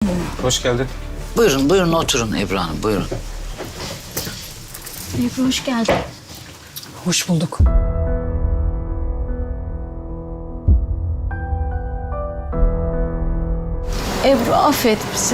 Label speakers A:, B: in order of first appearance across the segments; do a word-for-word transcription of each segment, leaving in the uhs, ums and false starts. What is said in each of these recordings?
A: Hoş geldin.
B: Buyurun, buyurun oturun Ebru Hanım, buyurun.
C: Ebru hoş geldin.
D: Hoş bulduk.
C: Ebru affet bizi.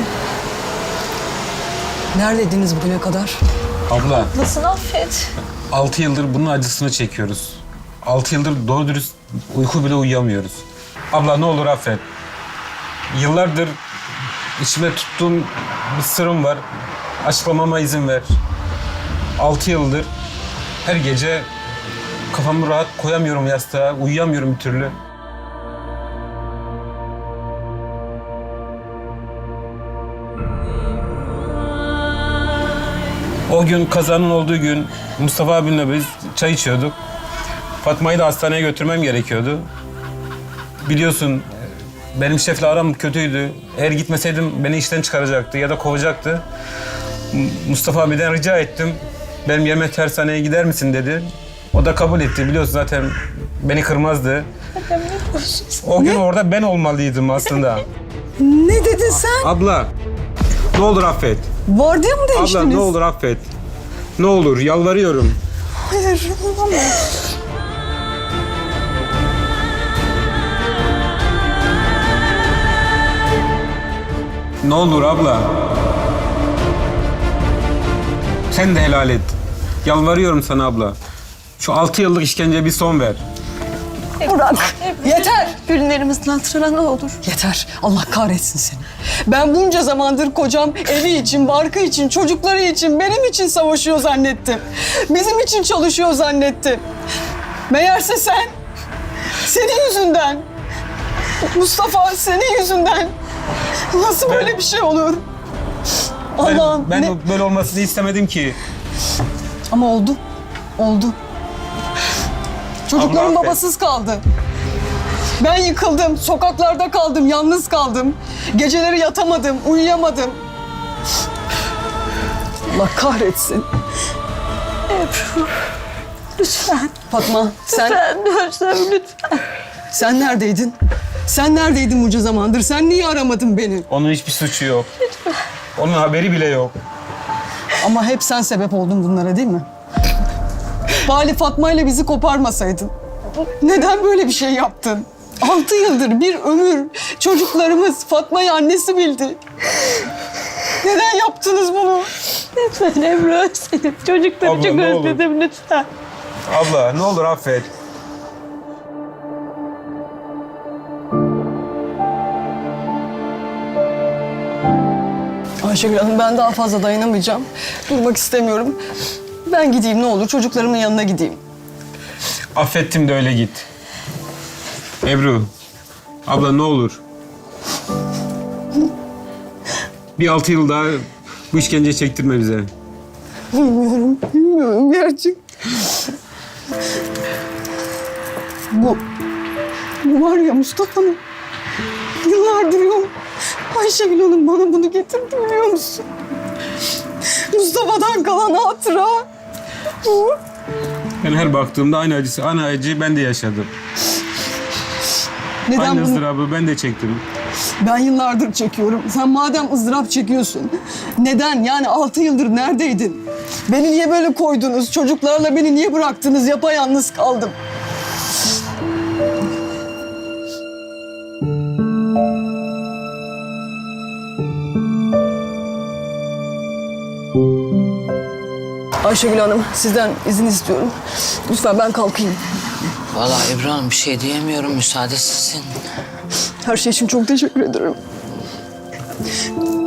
D: Neredeydiniz bugüne kadar?
A: Abla,
C: Nasıl affet?
A: altı yıldır bunun acısını çekiyoruz. Altı yıldır doğru dürüst uyku bile uyuyamıyoruz. Abla ne olur affet. Yıllardır içime tuttuğum bir sırrım var. Açıklamama izin ver. Altı yıldır her gece kafamı rahat koyamıyorum yastığa. Uyuyamıyorum bir türlü. O gün kazanın olduğu gün Mustafa abimle biz çay içiyorduk. Fatma'yı da hastaneye götürmem gerekiyordu. Biliyorsun benim şefle aram kötüydü. Eğer gitmeseydim beni işten çıkaracaktı ya da kovacaktı. Mustafa abiden rica ettim. Benim yerime tersaneye gider misin dedi. O da kabul etti. Biliyorsun zaten beni kırmazdı. O gün orada ben olmalıydım aslında.
D: Ne dedin sen?
A: Abla ne olur affet.
D: Vardiya mı değiştiniz?
A: Abla ne olur affet. Ne olur yalvarıyorum.
D: Hayır, olamaz.
A: Ne olur abla. Sen de helal et. Yalvarıyorum sana abla. Şu altı yıllık işkenceye bir son ver.
D: Burak, yeter.
C: Günlerimizin hatırına ne olur.
D: Yeter. Allah kahretsin seni. Ben bunca zamandır kocam evi için, barkı için, çocukları için, benim için savaşıyor zannettim. Bizim için çalışıyor zannettim. Meğerse sen, senin yüzünden, Mustafa senin yüzünden. Nasıl
A: Ben-
D: böyle bir şey olur?
A: Ben,
D: Allah'ım
A: ben
D: ne...
A: böyle olmasını istemedim ki.
D: Ama oldu. Oldu. Çocuklarım
A: Allah affet.
D: babasız kaldı. Ben yıkıldım, sokaklarda kaldım, yalnız kaldım. Geceleri yatamadım, uyuyamadım. Allah kahretsin.
C: Ebru lütfen.
D: Fatma, sen
C: Lütfen dönsem lütfen.
D: sen neredeydin? Sen neredeydin bunca zamandır? Sen niye aramadın beni?
A: Onun hiçbir suçu yok. Onun haberi bile yok.
D: Ama hep sen sebep oldun bunlara değil mi? Bari Fatma ile bizi koparmasaydın. Neden böyle bir şey yaptın? Altı yıldır bir ömür çocuklarımız Fatma'yı annesi bildi. Neden yaptınız bunu?
C: Lütfen Ebru özledim. Çocukları
A: Abla,
C: çok
A: ne olur.
C: özledim lütfen.
A: Abla ne olur affet.
D: Ayşegül Hanım ben daha fazla dayanamayacağım. Durmak istemiyorum. Ben gideyim ne olur çocuklarımın yanına gideyim.
A: Affettim de öyle git. Ebru. Abla ne olur. Bir altı yıl daha bu işkenceyi çektirme bize.
D: Bilmiyorum, bilmiyorum gerçek. Bu, bu var ya Mustafa'nın yıllardır yok. Ayşegül Hanım bana bunu getirdi biliyor musun? Mustafa'dan kalan hatıra. Bu.
A: Ben her baktığımda aynı acısı, aynı acıyı ben de yaşadım.
D: Neden
A: Aynı
D: bunu
A: ızdırabı ben de çektim.
D: ben yıllardır çekiyorum? Sen madem ızdırap çekiyorsun, neden? Yani altı yıldır neredeydin? Beni niye böyle koydunuz? Çocuklarla beni niye bıraktınız? Yapayalnız kaldım. Ayşegül Hanım, sizden izin istiyorum. Lütfen ben kalkayım.
B: Vallahi Ebru Hanım bir şey diyemiyorum, müsaade sizin.
D: Her şey için çok teşekkür ederim.